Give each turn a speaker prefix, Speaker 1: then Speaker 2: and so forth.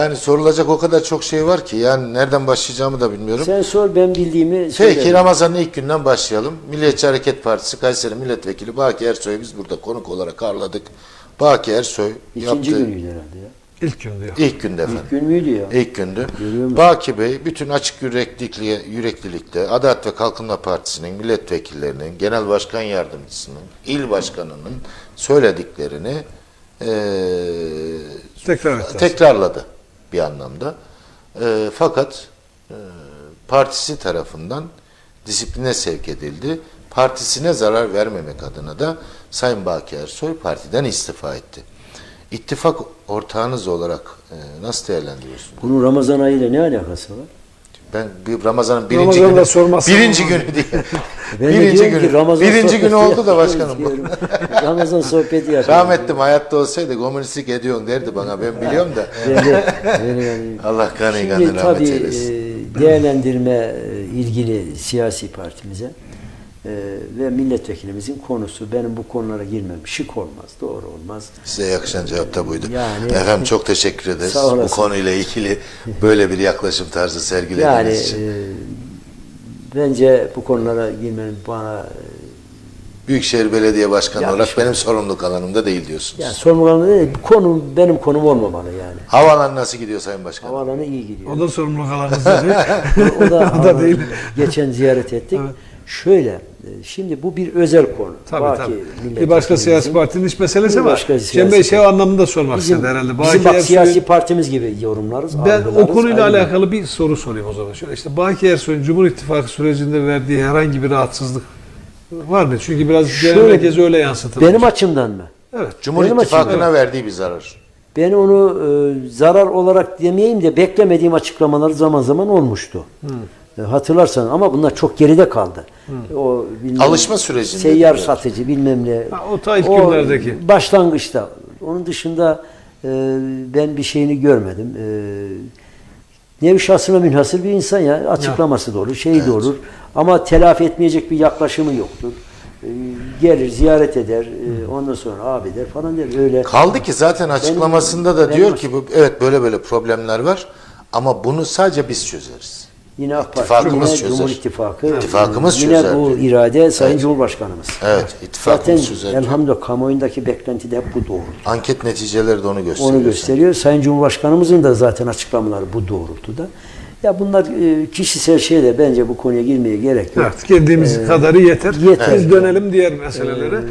Speaker 1: Yani sorulacak o kadar çok şey var ki yani nereden başlayacağımı da bilmiyorum.
Speaker 2: Sen sor, ben bildiğimi söylerim.
Speaker 1: Peki Ramazan'ın ilk günden başlayalım. Milliyetçi Hareket Partisi Kayseri Milletvekili Baki Ersoy'u biz burada konuk olarak ağırladık. Baki Ersoy
Speaker 2: İkinci
Speaker 1: yaptığı
Speaker 2: günüydü herhalde ya.
Speaker 3: İlk gün diyor.
Speaker 1: ilk günde efendim.
Speaker 2: İlk gün müydü ya?
Speaker 1: İlk gündü.
Speaker 2: Görüyor musun?
Speaker 1: Baki Bey bütün açık yüreklilikte Adalet ve Kalkınma Partisi'nin milletvekillerinin, genel başkan yardımcısının, il başkanının söylediklerini tekrarladı bir anlamda. Fakat partisi tarafından disipline sevk edildi. Partisine zarar vermemek adına da Sayın Baki Ersoy partiden istifa etti. İttifak ortağınız olarak nasıl değerlendiriyorsunuz?
Speaker 2: Bunun Ramazan ayıyla ne alakası var?
Speaker 1: Ben bir Ramazan'ın
Speaker 3: Ramazan'da
Speaker 1: birinci günü diye.
Speaker 2: Ben de diyorum ki Ramazan
Speaker 1: birinci günü
Speaker 2: sohbeti
Speaker 1: oldu da başkanım.
Speaker 2: diyorum. Ramazan sohbeti yapıyoruz.
Speaker 1: Rahmetlim hayatta olsaydı komünistlik ediyorsun derdi bana, ben biliyorum da. Allah kanı kanı
Speaker 2: Şimdi
Speaker 1: rahmet
Speaker 2: tabii
Speaker 1: eylesin.
Speaker 2: değerlendirme ilgili siyasi partimize ve milletvekilimizin konusu, benim bu konulara girmem şık olmaz, doğru olmaz.
Speaker 1: Size yakışan cevap da buydu.
Speaker 2: Yani,
Speaker 1: efendim çok teşekkür ederiz.
Speaker 2: Sağ olasın.
Speaker 1: Bu konuyla ilgili böyle bir yaklaşım tarzı sergilediğiniz için.
Speaker 2: Bence bu konulara girmenin bana
Speaker 1: Büyükşehir Belediye Başkanı olarak
Speaker 2: yakışmaz.
Speaker 1: benim sorumluluk alanımda değil diyorsunuz.
Speaker 2: yani sorumluluk alanı değil, konu benim konum olmamalı yani.
Speaker 1: Havalan nasıl gidiyor Sayın Başkanım?
Speaker 2: Havalanı iyi gidiyor.
Speaker 3: O da sorumluluk alanınızda değil.
Speaker 2: O da,
Speaker 3: O da değil.
Speaker 2: Geçen ziyaret ettik.
Speaker 3: Evet.
Speaker 2: Şöyle, şimdi bu bir özel konu.
Speaker 3: Tabii tabii. Bir başka siyasi partinin iç meselesi
Speaker 2: Bir
Speaker 3: var.
Speaker 2: başka
Speaker 3: Cem Bey
Speaker 2: siyasi
Speaker 3: şey anlamında sormak istedi herhalde.
Speaker 2: Bizim
Speaker 3: Baki
Speaker 2: bak
Speaker 3: Ersoy'un-
Speaker 2: siyasi partimiz gibi yorumlarız.
Speaker 3: Ben
Speaker 2: algılarız,
Speaker 3: o konuyla
Speaker 2: ayrı.
Speaker 3: alakalı bir soru sorayım o zaman. Şöyle işte Baki Ersoy'un Cumhur İttifakı sürecinde verdiği herhangi bir rahatsızlık var mı? Çünkü biraz genel
Speaker 2: Şöyle,
Speaker 3: merkez öyle yansıtılmış.
Speaker 2: Benim açımdan mı?
Speaker 3: Evet.
Speaker 1: Cumhur
Speaker 2: Benim
Speaker 1: İttifakı'na
Speaker 2: açımdan.
Speaker 1: verdiği bir zarar.
Speaker 2: Ben onu zarar olarak demeyeyim de beklemediğim açıklamalar zaman zaman olmuştu. Hatırlarsan ama bunlar çok geride kaldı. O bilmem,
Speaker 1: Alışma sürecinde.
Speaker 2: seyyar satıcı bilmem ne.
Speaker 3: Ha, o ta ilk günlerdeki.
Speaker 2: Başlangıçta. Onun dışında ben bir şeyini görmedim. Nevi şahsına münhasır bir insan ya. Açıklaması da olur, şeyi de olur. Ama telafi etmeyecek bir yaklaşımı yoktur. Gelir, ziyaret eder, ondan sonra abi der falan der. Öyle.
Speaker 1: Kaldı ki zaten açıklamasında da
Speaker 2: benim-
Speaker 1: diyor ki evet böyle problemler var ama bunu sadece biz çözeriz.
Speaker 2: Yine AK Parti,
Speaker 1: İttifakımız
Speaker 2: yine
Speaker 1: çözer.
Speaker 2: Cumhur İttifakı,
Speaker 1: İttifakımız
Speaker 2: yine
Speaker 1: çözer
Speaker 2: bu
Speaker 1: diyor.
Speaker 2: irade Sayın
Speaker 1: Evet.
Speaker 2: Cumhurbaşkanımız.
Speaker 1: Evet,
Speaker 2: Zaten
Speaker 1: ittifakımız çözer.
Speaker 2: elhamdülillah kamuoyundaki beklenti de hep bu doğrultuda.
Speaker 1: Anket neticeleri de onu gösteriyor.
Speaker 2: Onu gösteriyor. Sayın Cumhurbaşkanımızın da zaten açıklamaları bu doğrultuda. Ya bunlar kişisel şeyler, bence bu konuya girmeye gerek yok.
Speaker 3: Evet, kendimiz kadarı yeter.
Speaker 2: Yeter.
Speaker 3: Biz dönelim diğer meselelere.